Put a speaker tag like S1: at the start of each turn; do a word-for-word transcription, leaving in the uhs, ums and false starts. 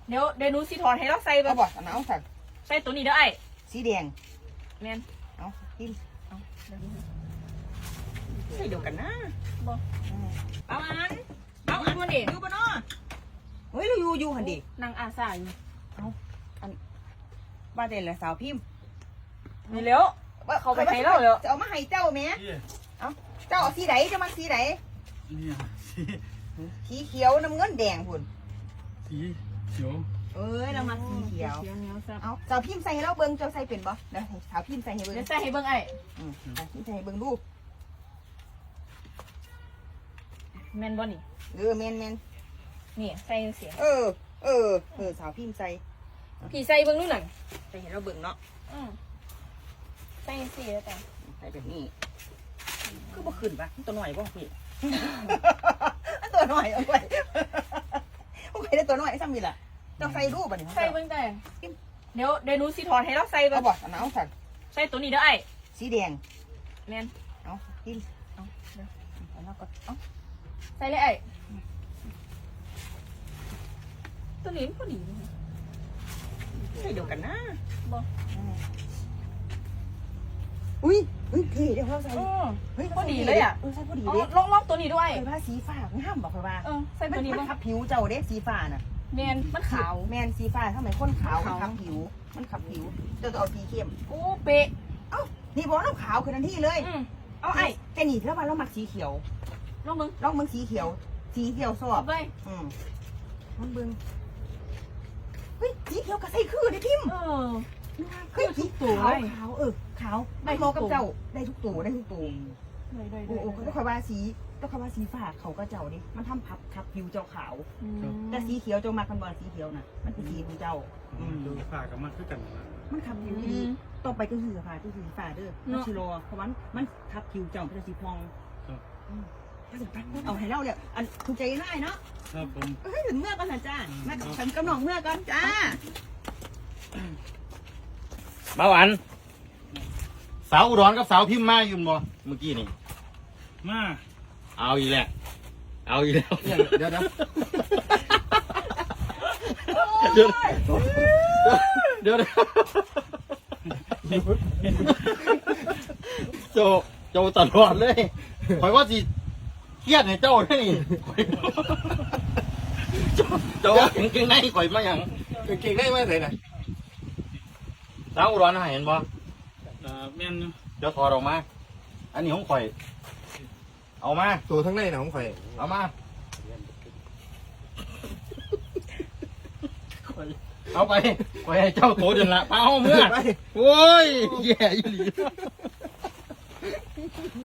S1: เดี๋ยวเดี๋ยวหนูสิถอดให้เราใส่
S2: เอา
S1: บ่
S2: บ่เอาเอาสั่น
S1: ใส่ตัวนี้เด้อไอ้
S2: สีแดง
S1: แม่น
S2: เอาพิมพ์
S1: เอา
S2: ใส่เดียวกันนะ
S1: บ่
S2: เอาอัน
S1: เอาอันนี้
S2: อยู่บ่เนาะเฮ้ยเราอยู่อยู่หันดิ
S1: นางอาสาอยู่
S2: เอาอันว่าแต่ละสาวพิมพ์
S1: นี่แล้วเขาไปให้เราแล้ว
S2: จะเอามาให้เจ้าแม่เอาเจ้าเอาสีไหนจะมาสีไหน
S3: เนี่ยสี
S2: สีเขียวน้ำเงินแดงพุ่น
S3: สีเขียว
S2: เอ้ยเรามาสีเขียว
S1: เขียวเหนียวซับ
S2: เอาสาวพิมพ์ใส่ให้เราเบิ่งเจ้าใส่เป็นบ่เดี๋ยวให้สาวพิมพ์ใส่ให้เบิ่ง
S1: เดี๋ยวใส่ให้เบิ่งไอ้
S2: อืมอ่ะพิมพ์ใส่ให้เบิ่งดู
S1: แม่นบ่นี่
S2: เออแมนแมน
S1: นี่ใส่เสียง
S2: เออ เออเออสาวพิมพ์ใส่
S1: พี่ใส่เบิ่งนู่นน่ะ
S2: ใส่ให้เราเบิ่งเนาะ
S1: อือใส่สีแล้วแต่
S2: ใส่แบบนี้คือบ่ขึ้นปะมันตัวหน่อยบ่พี่ มันตัวหน่อยเอาไว้โอเคได้ตัวหน่อยซ้ำนี่ล่ะเจ้าใส่รูปบ่นี่
S1: ใส่เบิ่งแต่เดี๋ยวเดี๋ยวหนูสิถอดให้เราใส่บ่
S2: เอาบ่เอาเอาสั่น
S1: ใส่ตัวนี้เด้อไอ้
S2: สีแดง
S1: แม่น
S2: เอาพิมพ์
S1: เอาเดี๋ยว
S2: เอาแล้วก็เอา
S1: ใส่เลยไอ้ตัวนี้มันพอดี
S2: ใส่เดียวกันนะ
S1: บ่
S2: อุ้ยเฮ้ยเท่เดี๋ยวเราใส่
S1: เออ
S2: เฮ้ย
S1: พอดีเลยอ่ะ
S2: เออใส่พอดี
S1: เอา
S2: เด้
S1: ลองลองตัวนี้ด้วย
S2: ไอ้ว่าสีฟ้างามบอกเลยว่า
S1: เออใส่
S2: มั
S1: ตั
S2: น
S1: วนี้
S2: มัน
S1: บ่
S2: ขับผิวเจ้าเด้สีฟ้าน่ะ
S1: แมนมันขาว
S2: แมนสีฟ้าทำไมคนขาว
S1: ขาว
S2: มันขับผิว มันขับผิวเจ้าต้องเอาสีเข้ม
S1: โอ้เป๊ะ
S2: เอ้านี่บอกน้ำขาวคือทันทีเลย
S1: อืมเอาไอ้
S2: แต่นี่แล้วมาเรามักสีเขียว
S1: ลองมึง
S2: ลองมึงสีเขียว สีเขียวสอ
S1: เอา
S2: บ
S1: ไป
S2: อืมมันเบิ่งเฮ้ยสีเขียวกับใส่คือได้พิมพ์
S1: เออ
S2: เฮ้ย
S1: คือทุกตัว
S2: ขาว
S1: เลย
S2: ขาวเออขาว
S1: ได้
S2: ได้
S1: ทุ
S2: ม
S1: ก
S2: อกับ
S1: ตัว
S2: เจ้าได้ทุกตัวได้ทุกตัว
S1: ได้ได้
S2: โอ้โอ้ต้องคอยว่าสีต้องคอยว่าสีฟ้าเขาก็เจ้าดิมันทำพับขับผิวเจ้าขาว แต่สีเขียวเจ้ามากันบอลสีเขียวน่ะ มันเป็นสีของเจ้า อืม
S3: ดูฝากับมันคือกันนะ
S2: มันขับผิวดีต่อไปก็คือฟ้าก็คือฟ้าเด้อมันชิโรเพราะมันมันขับผิวเจ้าเป็นสีพอง
S3: ครับ
S2: อืมเอาให้เล่าเลยอันถูกใจง่ายเนาะ
S3: ครับผม
S2: เฮ้ยถึงเมื่อก่อนนะจ้ามาฉันกำหนองเมื่อก่อนจ้า
S4: มาหวานสาวอุดรกับสาวพิมพ์มาอยู่บ่เมื่อกี้นี่
S3: มา
S4: เอาอีกแล้วเอาอีกแล้ว
S2: เดี๋ยวเดี๋ยว
S4: เดี๋ยวเดี๋ยวเดี๋ยวโจโจตลอดเลยคอยว่าสิเครียดเนี่ยเจ้าได้นี่ข่อยโจโจเก่งเก่งในข่อยมาอย่าง
S5: เก่งได้ไหมไหนน่ะ
S4: สาวอุดรน่ะเห็นบ่
S3: เอ่อแม่นอยู่
S4: เดี๋ยวถอดออกมา อันนี้ของข่อย เอามา
S5: ตัวทั้งในน่ะของข่อย
S4: เอามา เอาไปไปให้เจ้าโตเดินละไปเอาเมื่อ
S5: ไป
S4: โอ้ย แย่อีหลี